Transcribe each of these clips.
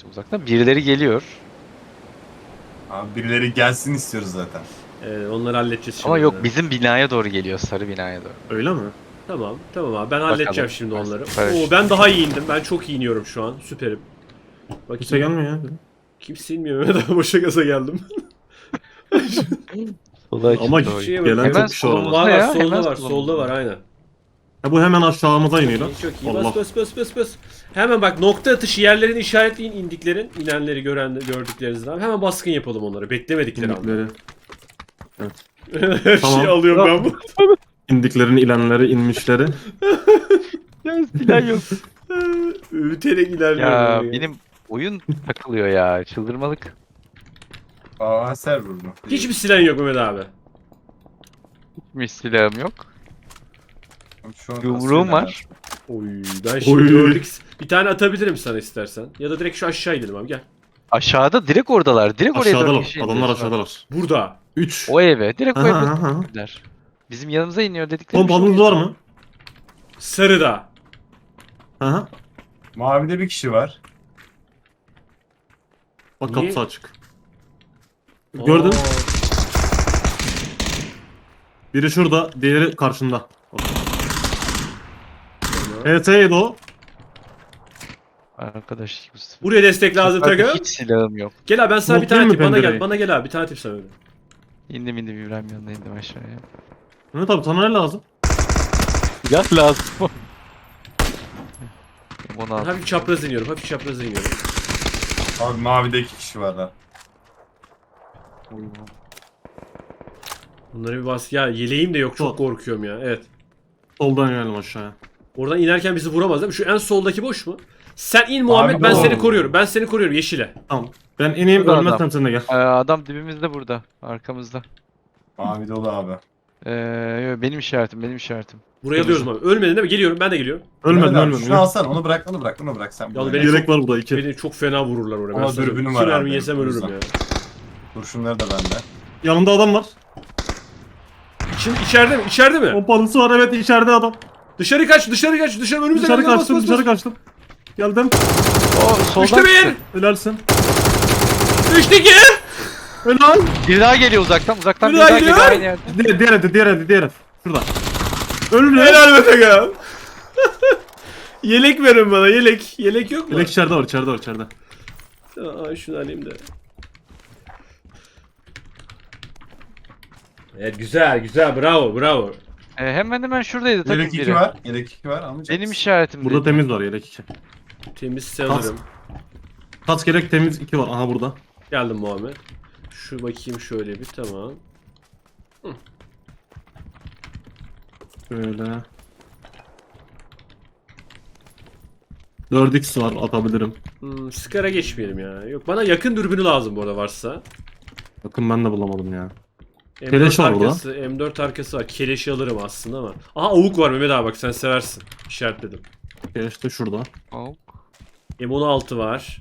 işte uzaktan. Birileri geliyor. Abi birileri gelsin istiyoruz zaten. Onları halledeceğiz şimdi. Ama yok, bizim binaya doğru geliyor. Sarı binaya doğru. Öyle mi? Tamam abi ben Bakalım. halledeceğim şimdi onları. Paraşüt. Oo, ben daha iyi indim. Ben çok iyi iniyorum şu an. Süperim. Bakayım. Kimse gelmiyor ya. Kimse inmiyor. Mehmet abi boşa gaza geldim. Sola Ama açıldı o. şey mi? gelen Hemen çok kişi var. solumuzda ama. Var ya, solda hemen var. solumuzda. Solda var aynen. Ha, bu hemen aşağımıza iniyor lan. Çok iyi. Allah. Bas. Hemen bak nokta atışı yerlerini işaretleyin indiklerin. İnenleri gördüklerinizden. Abi. Hemen baskın yapalım onları. Beklemedikleri anda. İndikleri. Her Tamam. şeyi alıyorum ben bu. İndiklerin ilenleri, inmişleri. Ya silah yok. Üterek ilerliyorum. Ya böyle. benim oyun takılıyor ya. Çıldırmalık. Aa server bu. Hiçbir silahın yok Mehmet abi. Hiçbir silahım yok. Şu an Yumruğum var. Oy ben şimdi Oy. gördük. Bir tane atabilirim sana istersen. Ya da direkt şu aşağı gidelim abi gel. Aşağıda direkt oradalar. Direkt oraya dört Aşağıdalar. kişi Adamlar indiler. aşağıdalar. Burada. 3. O eve. Direkt o eve Aha, aha. indiler. Bizim yanımıza iniyor dedikleri. Oğlum balınız var mı? Sarıda. Aha. Mavide bir kişi var. Bak Niye? kapısı açık. Gördün? Aa, Biri şurada, diğeri karşında. tamam. HT'ydi o. Arkadaş. Buraya destek lazım Taka. Hiç silahım yok. Gel abi ben sana bir tane Unutmayayım tip. mı Bana gel. pencereyi? Bana gel abi. Bir tane tip sana öyle. İndim İbrahim yanına indim aşağıya. Mehmet abi sana ne lazım? Silah lazım. Onu Ben al. hafif çapraz iniyorum. Abi mavide 2 kişi var da. Bunları bir bas. Ya yeleğim de yok. Çok korkuyorum ya. Evet. Soldan inelim aşağıya. Oradan inerken bizi vuramaz değil mi? Şu en soldaki boş mu? Sen in Muhammed. Abi Ben doğru. seni koruyorum. Ben seni koruyorum yeşile. Tamam. Ben ineyim, Burada ölmezsem adam. sen de gel. Adam dibimizde burada. Arkamızda. Mavi dolu abi. Benim işaretim. Buraya alıyoruz abi. Ölmedin değil mi? Geliyorum. Ben de geliyorum. Ölmedim, Mehmet abi, ölmedim. Şunu alsana onu bırak sen. Ya buraya beni gel. Yelek var burada 2. Beni çok fena vururlar oraya. Ama Ben sana dürbünüm iki var mermi abi, yesem o ölürüm yüzden. ya. Kurşunları da bende. Yanında adam var. Şimdi içeride mi? İçeride mi? Pompalısı var, evet, içeride adam. Dışarı kaç. Önümüze Dışarı gel, kaçtım, bas. dışarı kaçtım. Geldim. O soldan Düştü bir. çıktı. Helalsin. Düştü ki. Helal. Bir daha geliyor uzaktan. Bir Bir daha daha geliyor. geliyor aynı yerde. Diğer ev. Şurada. Ölüm ya. Helal be Taka. Yelek verin bana yelek. Yelek yok mu? Yelek içeride var, içeride. Aa, şunu alayım da. Evet güzel bravo. Hemen şuradaydı takım Yelek 2 biri. var. Yelek 2 var. Almayacak Benim mısın? işaretim Burada temiz var yelek 2. Temiz sanırım. Kaç gerek temiz 2 var. Aha burada. Geldim Muhammed. Şu bakayım şöyle bir tamam. Şöyle. 4x var, atabilirim. Skara geçmeyelim ya. Yok bana yakın dürbünü lazım bu arada varsa. Bakın ben de bulamadım ya. M4 Keleş var burada. arkası, M4 arkası var. Keleşi alırım aslında ama. Aha avuk var Mehmet abi bak sen seversin. İşaretledim. İşte şurada. Oh. M16 var.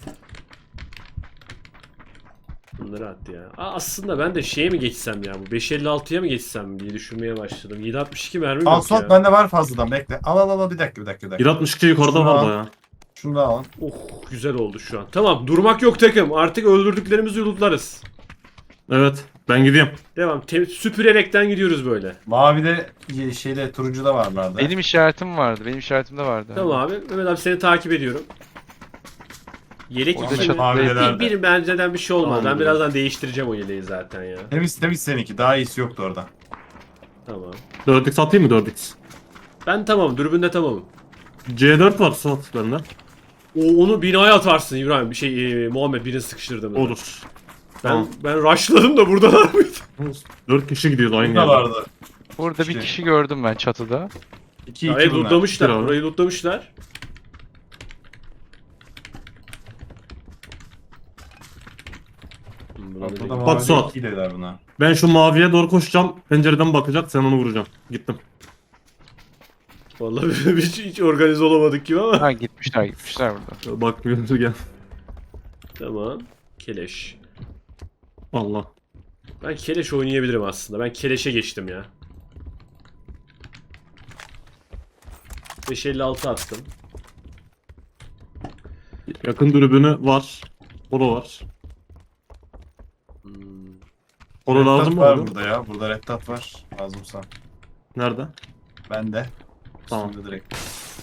Bunları attı ya. Aslında ben de şeye mi geçsem ya bu 556'ya mı geçsem diye düşünmeye başladım. 762 mermi Al yok Suat ya. bende var fazladan bekle. Al bir dakika. 162 yukarıda Şunu var al. da ya. Şunu da alın. Oh güzel oldu şu an. Tamam durmak yok takım. Artık öldürdüklerimizi yulutlarız. Evet, ben gidiyorum. Devam. Süpürerekten gidiyoruz böyle. Mavide turuncuda varlardı. Benim işaretimde vardı. Tamam abi. Mehmet abi seni takip ediyorum. Yelek Orada iki mi? çatı- Bir benzeden bir şey olmaz. Tamam, Ben birazdan değiştireceğim o yeleği zaten ya. Temiz seninki. Daha iyisi yoktu orada. Tamam. 4x atayım mı 4x? Ben tamam. Dürbünde tamamım. C4 var Suat bende. Onu binaya atarsın İbrahim. Muhammed birini sıkıştırdım. Olur. Ben, Tamam. ben rushladım da buradalar mıydı? 4 kişi gidiyordu aynı Burada yerde. vardı. Burada bir İşte. kişi gördüm ben çatıda. 2 Burayı 2 bunlar. lootlamışlar. Bir abi. Burayı lootlamışlar. Buna da Ortada değil. Bak Suat. 2 dediler buna. Ben şu maviye doğru koşacağım. Pencereden bakacak, sen onu vuracaksın. Gittim. Vallahi hiç organize olamadık gibi ama. Ha gitmişler burada. Bakmıyoruz gel. Tamam. Keleş. Allah. Ben keleş oynayabilirim aslında. Ben keleşe geçtim ya. 556 attım. Yakın dürbünü var. Polo var. Polo Red lazım dot mı var abi? burada ya. Burada red dot var. Lazımsa. Nerede? Ben de. Tamam. Üstümde direkt.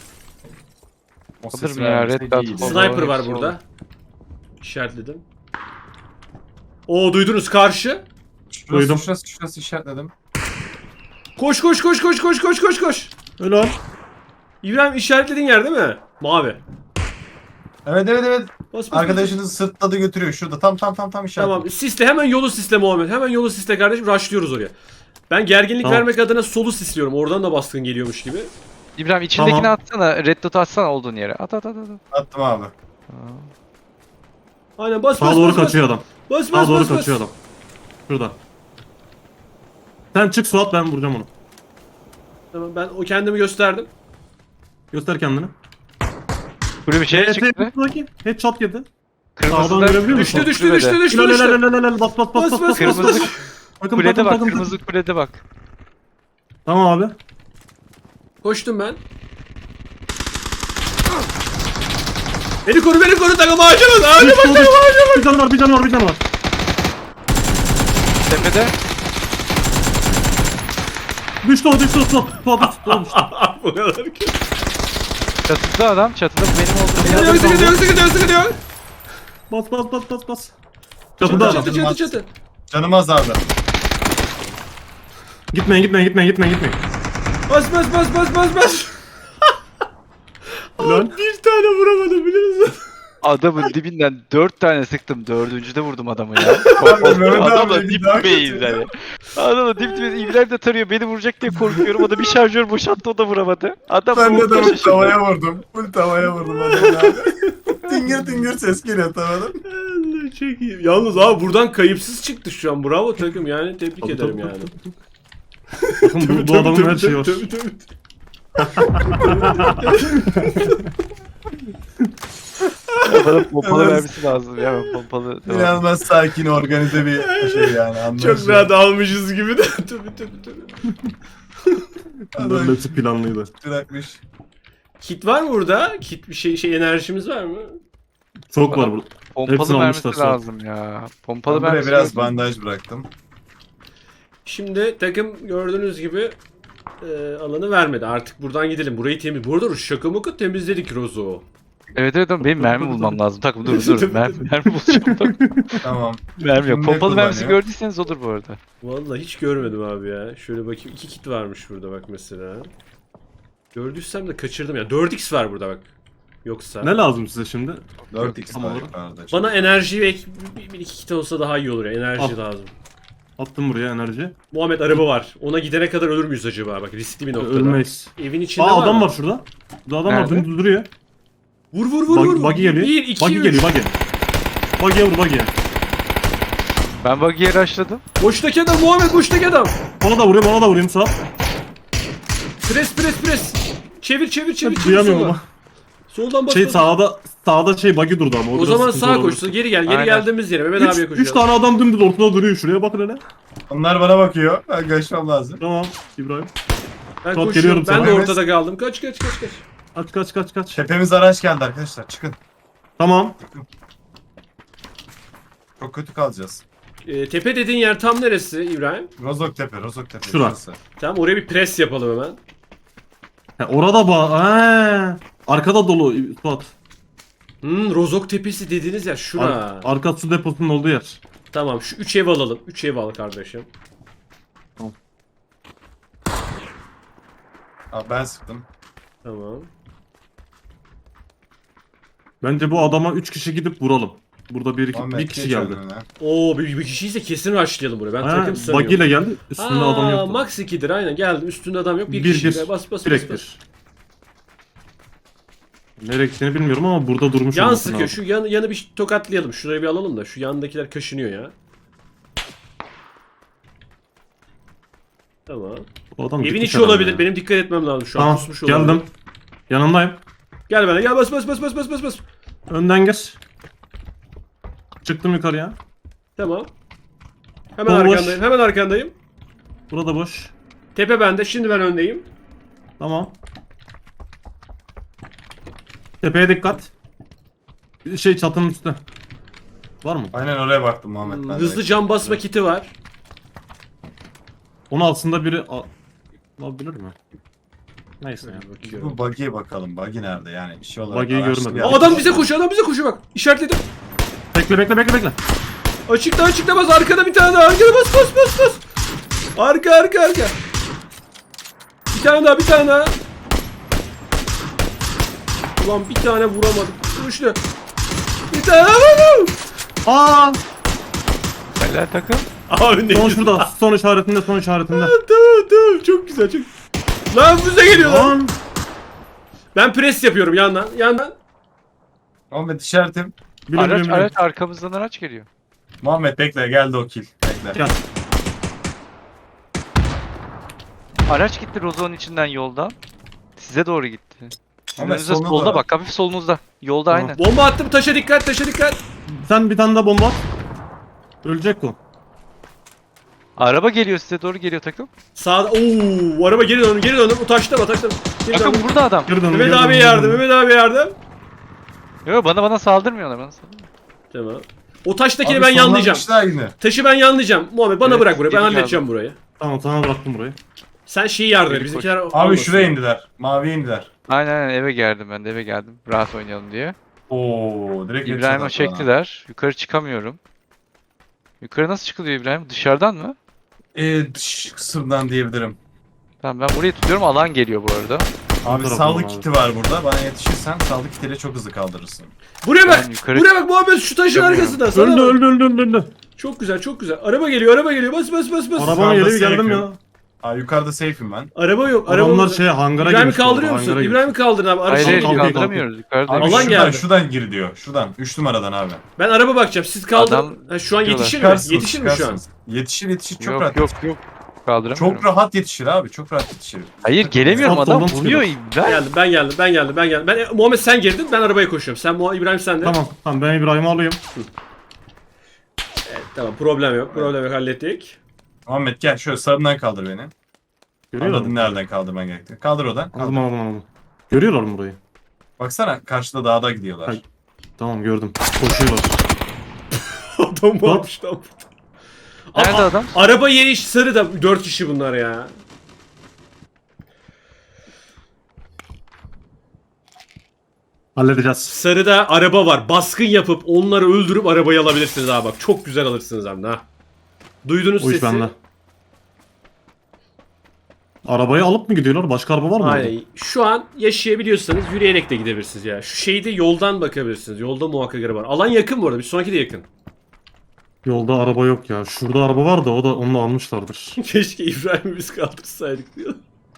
O Alır sesi mı ya, vermesek red dot iyiydi. falan? Sniper var hepsi burada. olur. İşaretledim. Oo duydunuz karşı. Duydum. Şurası işaretledim. Koş koş koş koş koş koş koş koş. Helal. İbrahim işaretlediğin yer değil mi? Mavi. Evet. Bas bas. Arkadaşınız sırtladı götürüyor. Şurada tam işaretledim. Tamam sisle hemen yolu sisle Muhammed. Hemen yolu sisle kardeşim. Rushlıyoruz oraya. Ben gerginlik Tamam. vermek adına solu sisliyorum. Oradan da baskın geliyormuş gibi. İbrahim içindekini Tamam. atsana. Red dot atsana olduğun yere. At. Attım abi. Aynen bas Sağa bas doğru bas. kaçıyor adam. Bas Sağa bas doğru bas bas. kaçıyor adam. Şurada. Sen çık Suat, ben vuracağım onu. Tamam ben o kendimi gösterdim. Göster kendini. Buraya bir şey çıktı. Bakayım. Headshot yedi. Kırmızı Sağdan da görebiliyor musun? Düştü düştü kulübede. düştü düştü Helal düştü. helal helal helal. Bas bas bas Bas, bas bas, bas. Kırmızı Takım kulede takım bak. takım. Kırmızı kulede bak. Tamam abi. Koştum ben. Beni koru takım ağacımız ağacımız takım ağacımız. Bir can var bir can var bir can var. Tepede. Düştü o düştü Suat. Suat düştü. Bu kadar ki. Çatıda adam. Çatıda benim olduğum Sıkıntı yer. yok sıkıntı yok. Bas bas bas bas bas. Çatı Çatıda adam. çatı. Canım azaldı. Gitmeyin. Bas. Lan. Bir tane vuramadım biliyor musun? Adamın dibinden 4 tane sıktım. 4. de vurdum adamı ya. Mehmet abi Adamla bir daha dipteyiz kötü. yani. Adamla dipteyiz. İbrahim de tarıyor. Beni vuracak diye korkuyorum. O da bir şarjör boşalttı, o da vuramadı. Adam Ben de bu adamı tavaya vurdum. Full tavaya vurdum adamı abi. tıngır ses geliyor tavadan. Allah çok iyi. Yalnız abi buradan kayıpsız çıktı şu an. Bravo takım yani tebrik ederim yani. Bakın bu adamın her şeyi var. Bana pompalı Evet. vermesi lazım ya. Ben pompalı. İnanılmaz sakin, organize bir şey yani. Anlaşılıyor. Çok rahat almışız gibi de. Tabii. Bunların hepsi planlıydı. Bırakmış. Kit var mı burada? Kit bir şey enerjimiz var mı? Çok var burada. Pompalı Hepsini vermesi almışlar sonra. lazım ya. Pompalı Ben buraya vermesi biraz lazım. bandaj bıraktım. Şimdi takım gördüğünüz gibi alanı vermedi. Artık buradan gidelim. Burayı temiz. Bu arada şaka maka temizledik Rozo. Evet ama benim mermi bulmam lazım. Takım dur. Mermi bulacağım. Takım. Tamam. Mermi yok. Kimde Pompalı mermisi kullanıyor? gördüyseniz olur bu arada. Vallahi hiç görmedim abi ya. Şöyle bakayım. 2 kit varmış burada bak mesela. Gördüysem de kaçırdım ya. 4x var burada bak. Yoksa. Ne lazım size şimdi? 4x Tamam. var yukarıda. Bana enerji ve bir iki kit olsa daha iyi olur ya. Enerji Al. lazım. Attım buraya enerji. Muhammed araba var. Ona gidene kadar ölür müyüz acaba? Bak riskli bir noktada. Ölmeyiz. Evin içinde Aa var adam mı? var şurada. Burada adam var Nerede? dümdüz duruyor. Vur. Buggy geliyor. 1, 2, Buggy 3. geliyor buggy. Buggy'e vur buggy'e. Ben buggy'ye rushladım. Boştaki adam Muhammed boştaki adam. Ona da vurayım Suat. Pres. Çevir. Duyamıyorum sola. ama. Soldan bas. Şey bas. sağda buggy durdu ama. O biraz zaman sıkıntı sağa olabilir. koşsun. Geri gel. Geri Aynen. geldiğimiz yere. Mehmet abiye koşuyor. 3 tane adam dümdüz ortada duruyor. Şuraya bakın hele. Onlar bana bakıyor. Ben kaçmam lazım. Tamam İbrahim. Ben Suat, koşuyorum. geliyorum Ben sana. de Evet. ortada kaldım. Kaç. Kaç. Tepemiz araç geldi arkadaşlar. Çıkın. Tamam. Çok kötü kalacağız. Tepe dediğin yer tam neresi İbrahim? Rozok Tepe. Şura. Şurası. Tamam oraya bir pres yapalım hemen. Orada arkada dolu Suat. Rozok Tepesi dediğiniz yer şura. Arka su deposunun olduğu yer. Tamam şu 3 ev alalım. 3 ev al kardeşim. Abi ben sıktım. Tamam. Bence bu adama 3 kişi gidip vuralım. Burada bir Muhammed, kişi geç geldi. önüne. Oo bir kişiyse kesin rushlayalım buraya. Ben takım sanıyorum. Buggy ile geldi. Üstünde adam yoktu. Max 2'dir aynen geldim. Üstünde adam yok. Bir Bir, kişi. bir. Bas. Direkt bir. Nereye gittiğini bilmiyorum ama burada durmuş Yan olması sıkıyor. lazım. Şu yanı bir tokatlayalım. Şurayı bir alalım da. Şu yandakiler kaşınıyor ya. Tamam. Bu adam Evin gitmiş içi herhalde olabilir. ya. Benim dikkat etmem lazım şu an. Tamam Pusmuş olabilir. geldim. Yanındayım. Gel bana gel bas. Önden gir. Çıktım yukarıya. Tamam. Hemen Boş. arkandayım. Hemen arkandayım. Burada boş. Tepe bende. Şimdi ben öndeyim. Tamam. Tepeye dikkat. Şey çatının üstüne. Var mı? Aynen oraya baktım Muhammed. Ben Hızlı direkt. cam basma kiti var. Onun altında biri alabilir mi? Neyse ya. Bakıyorum. Bu buggy'e bakalım. Buggy nerede yani? Bir şey olarak Buggy'yi araştır görmedim. ya. Adam bize koşuyor, adam bize koşuyor bak. İşaretledim. Bekle. Açıkta bas, arkada bir tane daha. Arkada bas. Arka. Bir tane daha. Ulan bir tane vuramadım. Düştü. Bir tane daha vurdum. Aa! Helal takım. Abi ne Son güzel. şurada. Son işaretinde. Tamam. Çok güzel. Lan bize geliyor lan. Lan! Ben pres yapıyorum yandan. Muhammed işaretim. Biliyorum. Araç arkamızdan araç geliyor. Muhammed bekle geldi o kill. Bekle. Gel. Araç gitti Rozok'un içinden yoldan. Size doğru gitti. Sizin Ama önünüzde soluna solda doğru. bak, hafif solunuzda. Yolda Tamam. aynen. Bomba attım, taşa dikkat. Sen bir tane daha bomba at. Ölecek o. Araba geliyor, size doğru geliyor takım. Sağda. Oo, araba geri döndüm. O taşta. Geri Takım döndüm. burada adam. Geri dön. Mehmet abi yardım. Yok, bana saldırmıyorlar, bana saldırmıyor. Tamam. O taştakini Abi ben yanlayacağım. sonlanmışlar yine. Taşı ben yanlayacağım. Muhammed bana Evet, bırak burayı. Ben geri halledeceğim burayı. Tamam sana bıraktım burayı. Sen şeyi yardım et. Geri Bizimkiler Abi almasın. şuraya indiler. Maviye indiler. Aynen eve geldim ben de, eve geldim. Rahat oynayalım diye. Oo direkt İbrahim'i headshot attı bana. çektiler. Yukarı çıkamıyorum. Yukarı nasıl çıkılıyor İbrahim? Dışarıdan mı? Dış kısımdan diyebilirim. Tamam, ben burayı tutuyorum, alan geliyor bu arada. Abi tarafından sağlık abi. kiti var burada. Bana yetişirsen sağlık kitiyle çok hızlı kaldırırsın. Buraya bak. Ben yukarı Buraya bak Muhammed, şu taşın çıkamıyorum. arkasında. Sana bak. Öldü. Çok güzel. Araba geliyor. Bas. Arabama geliyor geldim safe ya. Aa yukarıda safe'im ben. Araba yok. Adamlar Araba. şey hangara İbrahim'i girmiş bu arada, kaldırıyor musun? hangara İbrahim'i kaldırın abi. Hayır, Araba hayır, kalk, kaldıramıyoruz. Yukarıda. Abi Alan şuradan, geldi. şuradan gir diyor. Şuradan. 3 numaradan abi. Ben araba bakacağım. Siz kaldır. Adam Ha, şu an diyorlar. yetişir mi? Çıkarsınız, Yetişir mi şu an? çıkarsınız. Yetişir çok Yok rahat. yok. Kaldıramıyorum. Çok rahat yetişir abi. Çok rahat yetişir. Hayır, gelemiyorum, Sol adam soldan vuruyor çıkıyor. İbrahim. Ben geldim. Muhammed sen girdin. Ben arabaya koşuyorum. İbrahim sen de. Tamam ben İbrahim'i alayım. Tamam, problem yok. Hallettik. Muhammed gel şöyle sağından kaldır beni. Görüyorlar Anladın mı? nereden kaldırman gerektiğini. Kaldır oradan. Kaldır. Aldım. Görüyorlar mı burayı? Baksana karşıda dağda gidiyorlar. Hay. Tamam gördüm. Koşuyorlar. Adam varmış tam. Nerede adam? Araba yeri sarı da 4 kişi bunlar ya. Halledeceğiz. Sarıda araba var. Baskın yapıp onları öldürüp arabayı alabilirsiniz abi bak. Çok güzel alırsınız abi ha. Duydunuz O iş sesi. bende. Arabayı alıp mı gidiyorlar? Başka araba var mı orada? Aynen. Şu an yaşayabiliyorsanız yürüyerek de gidebilirsiniz ya. Şu şeyde yoldan bakabilirsiniz. Yolda muhakkak araba var. Alan yakın bu arada. Bir sonraki de yakın. Yolda araba yok ya. Şurada araba var da onu almışlardır. Keşke İbrahim'i biz kaldırsaydık diyor.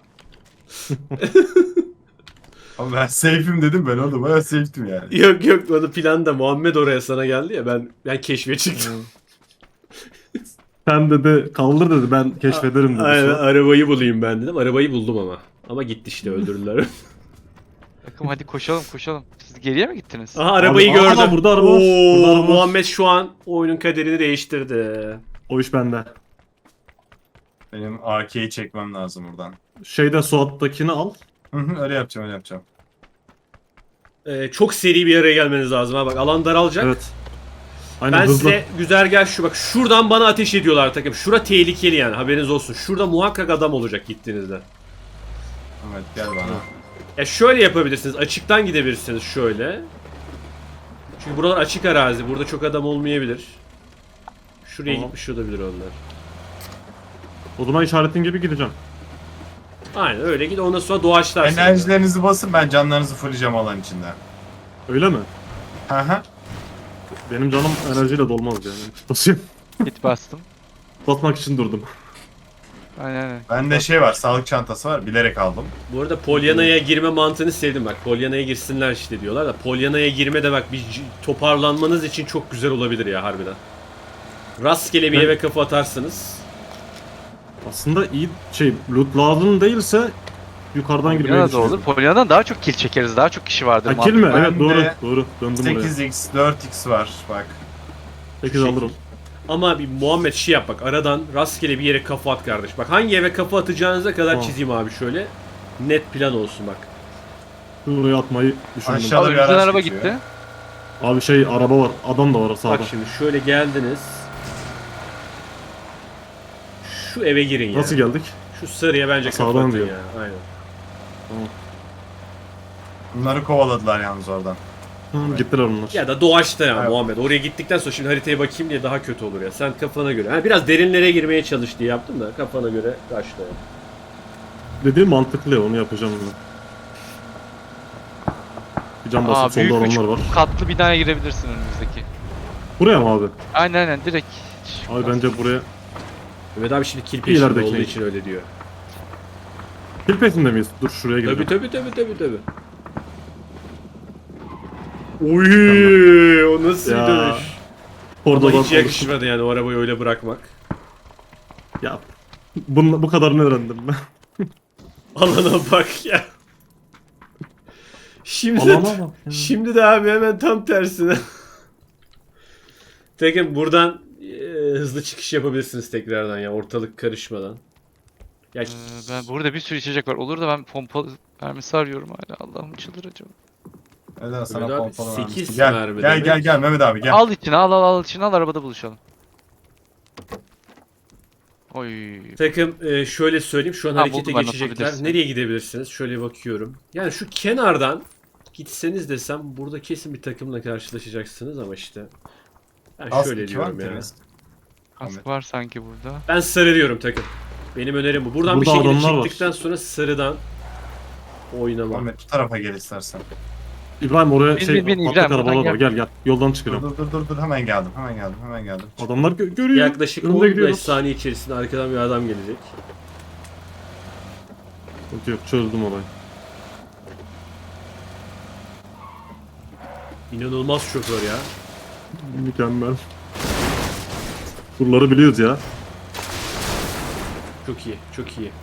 Ama ben safe'im dedim ben oğlum. Ben safe'tim yani. Yok o da planda Muhammed oraya sana geldi ya ben keşfe çıktım. Sen dedi kaldır dedi ben keşfederim dedi. Aynen, arabayı bulayım ben dedim. Arabayı buldum ama. Ama gitti işte, öldürdüler. Takım hadi koşalım. Siz geriye mi gittiniz? Aha arabayı Abi, gördüm. aha, burada araba var. Oo, Burada araba var. Muhammed şu an oyunun kaderini değiştirdi. O iş bende. Benim AK'yi çekmem lazım buradan. Şeyde Suat'takini al. Öyle yapacağım. Çok seri bir araya gelmeniz lazım ha bak, alan daralacak. Evet. Aynen Ben hızlı. size güzergah şu bak, şuradan bana ateş ediyorlar takım. Şura tehlikeli yani, haberiniz olsun. Şurada muhakkak adam olacak gittiğinizde. Evet gel bana. Ya şöyle yapabilirsiniz, açıktan gidebilirsiniz şöyle. Çünkü buralar açık arazi, burada çok adam olmayabilir. Şuraya Tamam. gitmiş olabilir onlar. O zaman işaretin gibi gideceğim. Aynen öyle git, ondan sonra doğaçlarsın. Enerjilerinizi basın, ben canlarınızı fulleyeceğim alan içinde. Öyle mi? Hı. Benim canım enerjiyle dolmaz yani. Basayım. Git bastım. Basmak için durdum. Aynen. Bende şey var, sağlık çantası var. Bilerek aldım. Bu arada Polyana'ya girme mantığını sevdim bak. Polyana'ya girsinler işte diyorlar da. Polyana'ya girme de bak, bir toparlanmanız için çok güzel olabilir ya harbiden. Rastgele bir Evet. eve kafa atarsınız. Aslında iyi loot lazım değilse yukarıdan girmeyi Polyana'da düşünüyorum. olur. Polyana'dan daha çok kill çekeriz. Daha çok kişi vardır. Ha kill mi? Ben Evet doğru. de Doğru. Döndüm buraya. 8x, 4x var bak. 8 alırım. Ama bir Muhammed şey yap bak, aradan rastgele bir yere kafa at kardeş. Bak hangi eve kafa atacağınıza kadar Tamam. çizeyim abi şöyle. Net plan olsun bak. Buraya atmayı düşündüm. Aşağı- Abi bir bizden araç araba geçiyor. gitti. Abi şey araba var. Adam da var sağda. Bak şimdi şöyle geldiniz. Şu eve girin ya. Nasıl geldik? Şu sarıya bence Sağdan kapatın diyor. ya. Aynen. Tamam. Bunları kovaladılar yalnız oradan. Hı, gittiler onlar. Ya da doğaçta ya Evet. Muhammed. Oraya gittikten sonra şimdi haritaya bakayım diye daha kötü olur ya. Sen kafana göre. Ha, biraz derinlere girmeye çalış diye yaptım da kafana göre kaçtı. Dediğim mantıklı ya, onu yapacağım ben. Bir cam basıp büyük solda üç adamlar var. katlı binaya girebilirsin önümüzdeki. Buraya mı abi? Aynen direkt. Abi bence buraya... Mehmet abi şimdi kill İyi peşinde ilerideki. olduğu için öyle diyor. Kill peşinde miyiz? Dur şuraya gidelim. Tabi. Oy, o nasıl bir Ya, dönüş? Orada Ama da hiç yakışmadı yani o arabayı öyle bırakmak. Ya bu kadarını öğrendim ben. Alana bak ya. Şimdi Alana bak ya. şimdi de abi hemen tam tersine. Tekin buradan hızlı çıkış yapabilirsiniz tekrardan ya ortalık karışmadan. Ya Ben burada bir sürü içecek var. Olur da ben pompa mermisi arıyorum hala. Allah'ım çıldıracağım. Neden sana Mehmet abi, pompalı 8 vermiştim. Gel mermi gel demek. gel Mehmet abi gel. Al içine al içine al arabada buluşalım. Oy. takım şöyle söyleyeyim şu an Ha, harekete buldum ben, geçecekler. atabilirsin. Nereye gidebilirsiniz? Şöyle bakıyorum. Yani şu kenardan gitseniz desem burada kesin bir takımla karşılaşacaksınız ama işte. Ben Az şöyle iki var diyorum mı ya. Deniz? Kask var sanki burada. Ben sarı diyorum takım. Benim önerim bu. Buradan bir Burada şekilde adamlar var. çıktıktan sonra sarıdan oynama. Ahmet bu tarafa gel istersen. İbrahim oraya Bin, şey bin, bin, patlak İbrahim, arabalar buradan var. Gel. Yoldan Dur çıkıyorum. dur hemen geldim hemen geldim. Adamlar görüyor. Yaklaşık Önünde 15 gidiyoruz. saniye içerisinde arkadan bir adam gelecek. Yok, çözdüm olayı. İnanılmaz şoför ya. Mükemmel. Buraları biliyoruz ya. Çok iyi, çok iyi.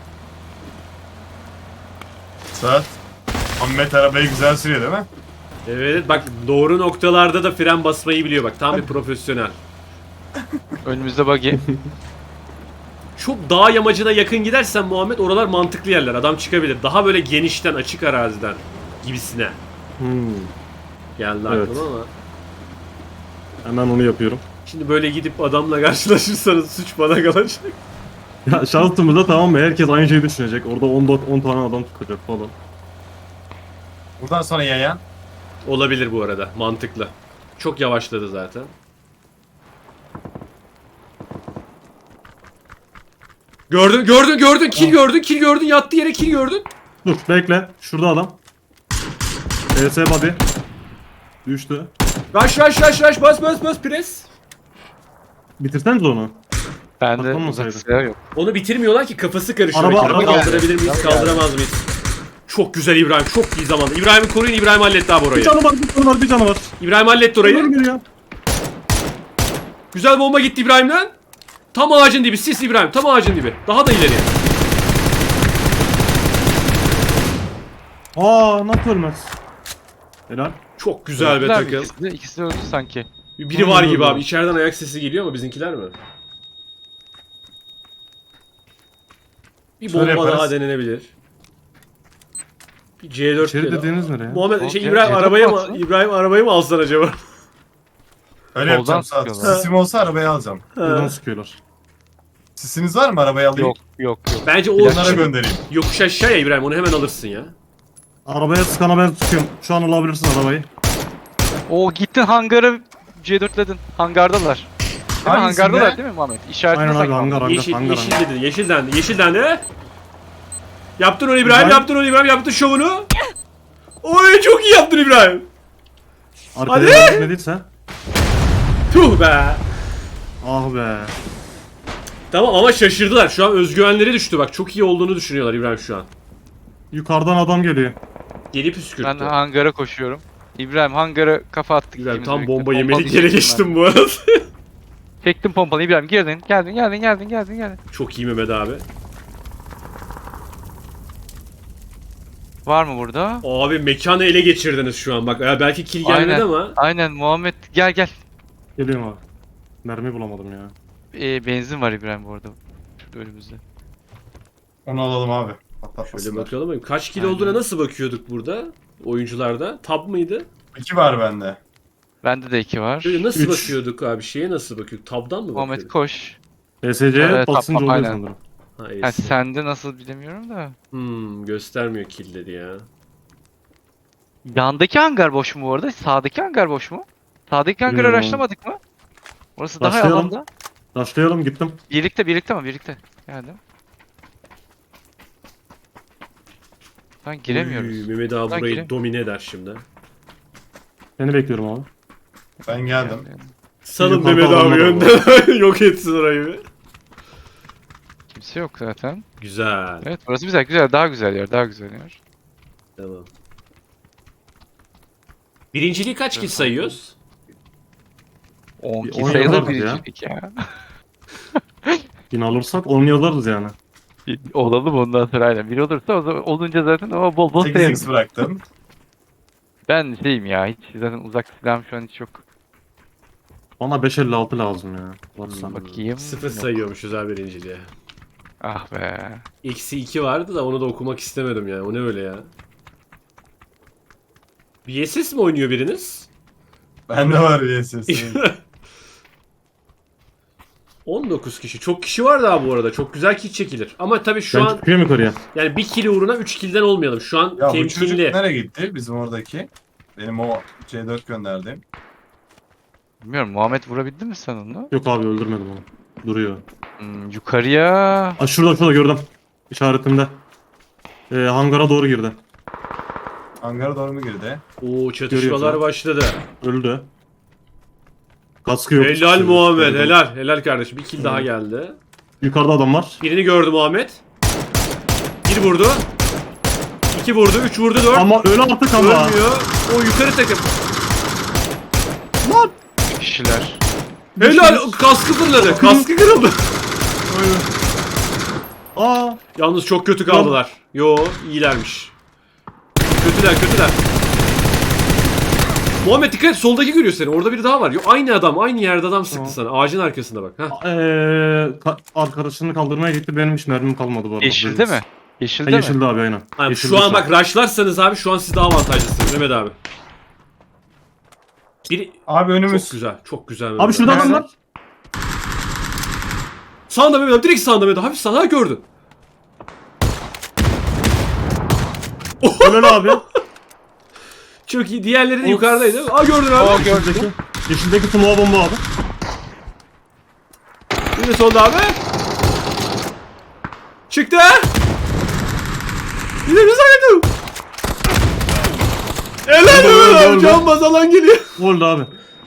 Saat. Ahmet arabayı güzel sürüyor değil mi? Evet bak doğru noktalarda da fren basmayı biliyor bak. Tam bir profesyonel. Önümüzde buggy. Çok dağ yamacına yakın gidersen Muhammed oralar mantıklı yerler. Adam çıkabilir. Daha böyle genişten, açık araziden gibisine. Geldi Evet. aklıma ama. Hemen onu yapıyorum. Şimdi böyle gidip adamla karşılaşırsanız suç bana kalacak. Ya şansımızda tamam mı? Herkes aynı şeyi düşünecek. Orada 10 tane adam tutacak falan. Buradan sonra yayan. Olabilir bu arada. Mantıklı. Çok yavaşladı zaten. Gördün. Kill gördün. Yattı yere kill gördün. Dur bekle. Şurada adam. ES body. Düştü. Rush. Bas. Pres. Bitirseniz onu. Bende Patlamasaydı. uzak silah yok. Onu bitirmiyorlar ki kafası karışıyor. Araba Kaldırabilir geldi. miyiz? Araba Kaldıramaz mıyız? Çok güzel İbrahim. Çok iyi zamanda. İbrahim'i koruyun. İbrahim halletti abi Bir orayı. canı var. Bir canı var. İbrahim halletti Dur orayı. geliyor. Güzel bomba gitti İbrahim'den. Tam ağacın dibi. Sis İbrahim. Tam ağacın dibi. Daha da ileri. Nasıl ölmez? Helal. Çok güzel be Öldüler mi takım. ikisi de öldü sanki. Biri var gibi Öldü. abi. İçeriden ayak sesi geliyor ama bizimkiler mi? Bir Şöyle bomba daha yaparız. denenebilir. Bir C4 İçeri diyelim. dediğiniz nereye? Muhammed Tamam, şey ya, İbrahim C4 arabaya mı baksana. İbrahim arabayı mı alsan acaba? Öyle Soldan yapacağım Saat. sıkıyorlar. Sisim olsa arabayı alacağım. Buradan sıkıyorlar. Sisiniz var mı arabayı alayım? Yok. Bence o Onlara göndereyim. yokuş aşağıya İbrahim onu hemen alırsın ya. Arabaya sıkana ben sıkıyorum. Şu an alabilirsin arabayı. Oo gittin hangara C4'ledin. Hangardalar. Değil mi? Hangisinde? Hangardalar değil mi Muhammed? İşaretini Aynen abi sakla. hangar. Yeşil dedi. Yeşil dendi. Yaptın onu İbrahim. Yaptın şovunu. Oy çok iyi yaptın İbrahim. Arkaya gitmediyse. Tuh be. Ah be. Tamam ama şaşırdılar. Şu an özgüvenleri düştü bak. Çok iyi olduğunu düşünüyorlar İbrahim şu an. Yukarıdan adam geliyor. Geri püskürttü. Ben hangara koşuyorum. İbrahim hangara kafa attık. İbrahim ikimiz tam birlikte. bomba yemelik Pompalı yere çektim geçtim bu arada. ben. Çektim pompalı İbrahim geldin. Çok iyi Mehmet abi. Var mı burada? Abi mekanı ele geçirdiniz şu an bak. Ya belki kill gelmedi Aynen. ama. Aynen Muhammed gel. Geliyorum abi. Mermi bulamadım ya. Benzin var İbrahim bu arada. Şurada önümüzde. Onu alalım abi. Şöyle Patlatmasınlar. bakalım. Kaç kill Aynen. olduğuna nasıl bakıyorduk burada? Oyuncularda. Tab mıydı? 2 var bende. Bende de 2 var. Böyle nasıl Üç. bakıyorduk abi? Şeye nasıl bakıyorduk? Tab'dan mı Muhammed bakıyorduk? koş. ESC'ye Evet, basınca tamam, oluyor aynen. sanırım. Ha, Ha, yes. sende nasıl bilemiyorum da. Göstermiyor killleri ya. Yandaki hangar boş mu bu arada? Sağdaki hangar boş mu? Sağdaki hangarı Bilmiyorum. araştırmadık mı? Orası daha Başlayalım. alanda. Başlayalım gittim. Birlikte mi? Birlikte. Geldim. Ben giremiyoruz. Uy, Mehmet abi Ben burayı gireyim. domine eder şimdi. Seni bekliyorum abi. Ben geldim. Salın Yukarıda Mehmet abi adamlar önden yok etsin orayı bir. Kimse yok zaten. Güzel. Evet, burası güzel, güzel. Daha güzel yer, daha güzel yer. Tamam. Birinciliği kaç kill sayıyoruz? 10 Bir ki 10 sayılır yazarız ya. birincilik ya. 1000 alırsak 10 yazarız yani. Olalım ondan sonra aynen. Biri olursa o zaman olunca zaten ama bol bol 8x sayarız. bıraktım. Ben şeyim ya, hiç zaten uzak silahım şu an hiç yok. Bana 556 lazım ya. Varsa. Bakayım. 0 Yok. sayıyormuşuz abi birinciliğe. Ah be. Eksi 2 vardı da onu da okumak istemedim ya. O ne öyle ya? VSS mi oynuyor biriniz? Bende var VSS. 19 kişi. Çok kişi var daha bu arada. Çok güzel kill çekilir. Ama tabii şu Ben an çıkıyorum yukarıya. yani 1 kill uğruna 3 kill'den olmayalım. Şu an Ya bu çocuk temkinli. nereye gitti? Bizim oradaki. Benim o C4 gönderdiğim. Bilmiyorum, Muhammed vurabildin mi sen onu? Yok abi öldürmedim onu. Duruyor. Yukarıya. Aa, şurada gördüm. İşaretimde. Hangara doğru girdi. Hangara doğru mu girdi? Oo, çatışmalar Görüyorsun. başladı. Öldü. Kaskı yok. Helal Şey, Muhammed. gördüm. Helal. Helal kardeşim. Bir kill daha geldi. Yukarıda adam var. Birini gördü Muhammed. 1 vurdu. 2 vurdu. 3 vurdu. 4. Ama öyle artık ama. Ölmüyor. O yukarı takım. Kişiler. Helal. Kaskı fırladı. Kaskı kırıldı. Aa. Yalnız çok kötü kaldılar. Yo, iyilermiş. Kötüler. Muhammed dikkat et, soldaki görüyor seni. Orada biri daha var. Yo, aynı adam, aynı yerde adam sıktı Tamam. sana. Ağacın arkasında bak. Heh. Arkadaşını kaldırmaya gitti. Benim hiç mermim kalmadı bu arada. Yeşilde mi? Ha, Yeşilde mi? yeşilde abi aynen. Abi, Yeşilde şu an bak rushlarsanız abi şu an siz daha avantajlısınız Mehmet abi. Biri Abi önümüz. çok güzel. Çok güzel. Mehmet Abi şurada Nerede? adam var. Sağında Mehmet abi. Direkt sağında Mehmet abi. Hafif sağda gördün. Helal abi. Çok iyi. Diğerleri de Of. yukarıdaydı. Aa gördün abi. Aa, gördüm. Yeşildeki smoke bomba abi. Bir de solda abi. Çıktı. Bir de bir saydım. Helal Mehmet abi. Can baz alan geliyor. Oldu abi.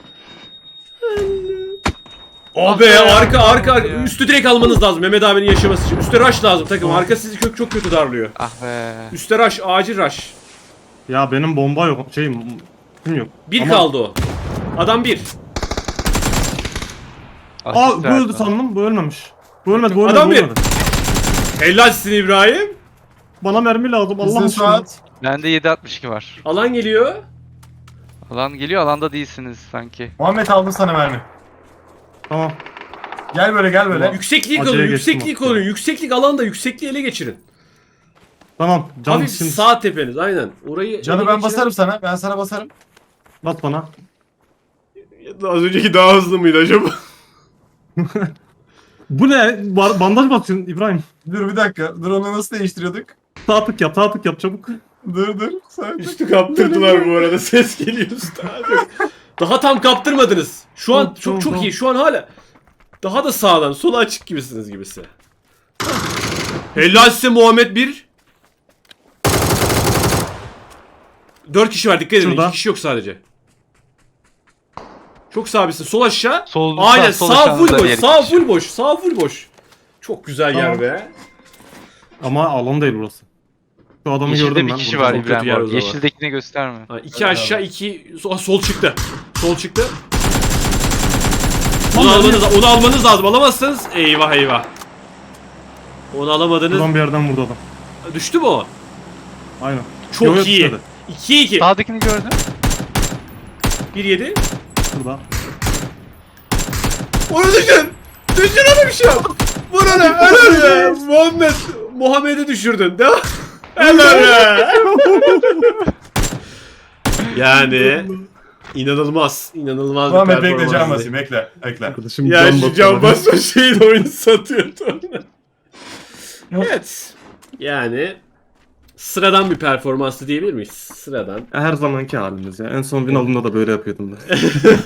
Oh be, arka. Üstü direkt almanız lazım Mehmet abinin yaşaması için. Üste rush lazım takım. Arka sizi çok kötü darlıyor. Ah be. Üste rush, acil rush. Ya benim bomba yok. Kim yok. Bir Ama- kaldı o. Adam bir. Aa bu öldü sandım. Bu ölmemiş. Bu ölmedi. Bu ölmedi. Adam bu bir. ölmedi. Helalsin İbrahim. Bana mermi lazım. Allah Hızlı aşkına. Suat. Bende 7.62 var. Alan geliyor. Alan geliyor, alanda değilsiniz sanki. Muhammed aldım sana mermi. Tamam. Gel böyle. Yükseklik Acele alın, geçtim yükseklik bak ya. alın. Yükseklik alanda yüksekliği ele geçirin. Tamam. Can Hafif şimdi. sağ tepeniz aynen. Orayı Canı ele ben geçirin. basarım sana. Ben sana basarım. Bas bana. Az önceki daha hızlı mıydı acaba? Bu ne? Bandaj basıyorsun İbrahim. Dur bir dakika. Dur onu nasıl değiştiriyorduk? Sağ tık yap çabuk. Dur. Sen... Üstü kaptırdılar bu arada. Ses geliyor üstte abi. Daha tam kaptırmadınız. Şu an Tamam, çok tamam. iyi. Şu an hala daha da sağdan, sola açık gibisiniz gibisi. Helal size Muhammed 1. 4 kişi var, dikkat edin. Şurada. 2 kişi yok sadece. Çok sabisin. Sol aşağı. Sol, Aynen sol sağ full aşağınızda boş. diğer Sağ kişi. full boş. Sağ full boş. Çok güzel yer Tamam. be. Ama alan değil burası. Şu adamı Yeşilde gördüm bir ben. kişi burada. var Çok kötü yer İbrahim o abi. zaman. Yeşildekini gösterme. Ha, 2 aşağı 2 sol çıktı. Sol çıktı. Onu almanız lazım. Alamazsanız eyvah. Onu alamadınız. Buradan bir yerden vurdu adam. Düştü mü o? Aynen. Çok Yo, yo, iyi. düşmedi. 2-2. Sağdakini gördüm. 1-7. Şurada. Onu düşün. Düşün ona bir şey yap. Vur ona. Helal be. Muhammed'i düşürdün. Devam. Helal be. Yani İnanılmaz. İnanılmaz bir Muhammed bekle can performans. basayım. Bekle. Arkadaşım Ya şu basıyor can bana. basma şeyin oyunu satıyordu. Evet. Yani sıradan bir performansı diyebilir miyiz? Sıradan. Her zamanki halimiz ya. En son win aldığımda da böyle yapıyordum ben.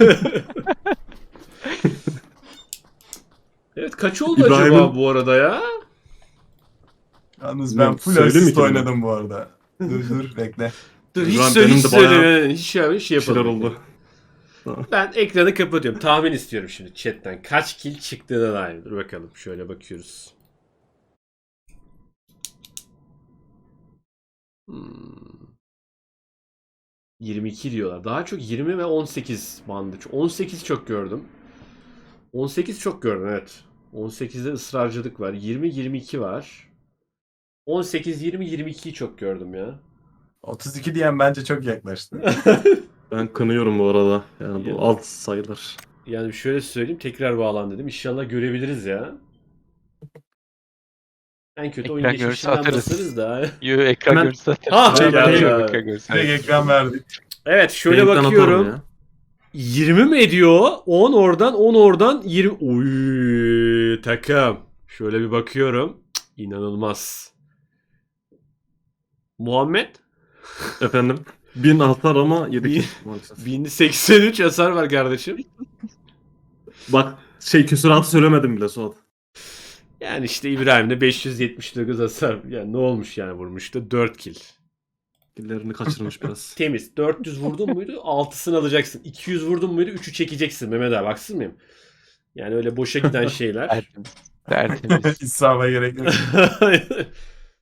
Evet, kaç oldu İbrahim'in- acaba bu arada ya? Yalnız ben Bilmiyorum, full söyleyeyim mi asist ki bunu? oynadım bu arada. Dur bekle. Dur hiç İbrahim, söyle benim hiç de bayağı söyle. Hiç şey şeyler yapalım. oldu. Ben ekranı kapatıyorum. Tahmin istiyorum şimdi chatten. Kaç kill çıktığına dair. Dur bakalım. Şöyle bakıyoruz. Hmm. 22 diyorlar. Daha çok 20 ve 18 bandı. 18 çok gördüm. 18 çok gördüm evet. 18'de ısrarcılık var. 20-22 var. 18, 20, 22'yi çok gördüm ya. 32 diyen bence çok yaklaştı. Ben kınıyorum bu arada. Yani Ya. bu alt sayılır. Yani şöyle söyleyeyim, tekrar bağlan dedim. İnşallah görebiliriz ya. En kötü oyun Ekran görüntüsü geçmişinden atarız. basarız da. Yo ekran Hemen- görüntüsü zaten. Ah, Şey, geldi şey, abi. ekran görüntüsü. Direkt ekran verdik. Evet şöyle Yayından atarım bakıyorum. ya. 20 mi ediyor? 10 oradan 10 oradan 20. Uy takım. Şöyle bir bakıyorum. Cık, İnanılmaz. Muhammed Efendim. 1000 atar ama 7 Bir- kill maalesef. 1083 hasar var kardeşim. Bak küsuratı söylemedim bile Suat. Yani işte İbrahim'de 579 hasar. Yani ne olmuş yani vurmuştu? 4 kill. Killerini kaçırmış biraz. Temiz. 400 vurdun muydu? 6'sını alacaksın. 200 vurdun muydu? 3'ü çekeceksin Mehmet abi. Haksız mıyım? Yani öyle boşa giden şeyler. Tertemiz. Tertemiz. İsraba gerek yok.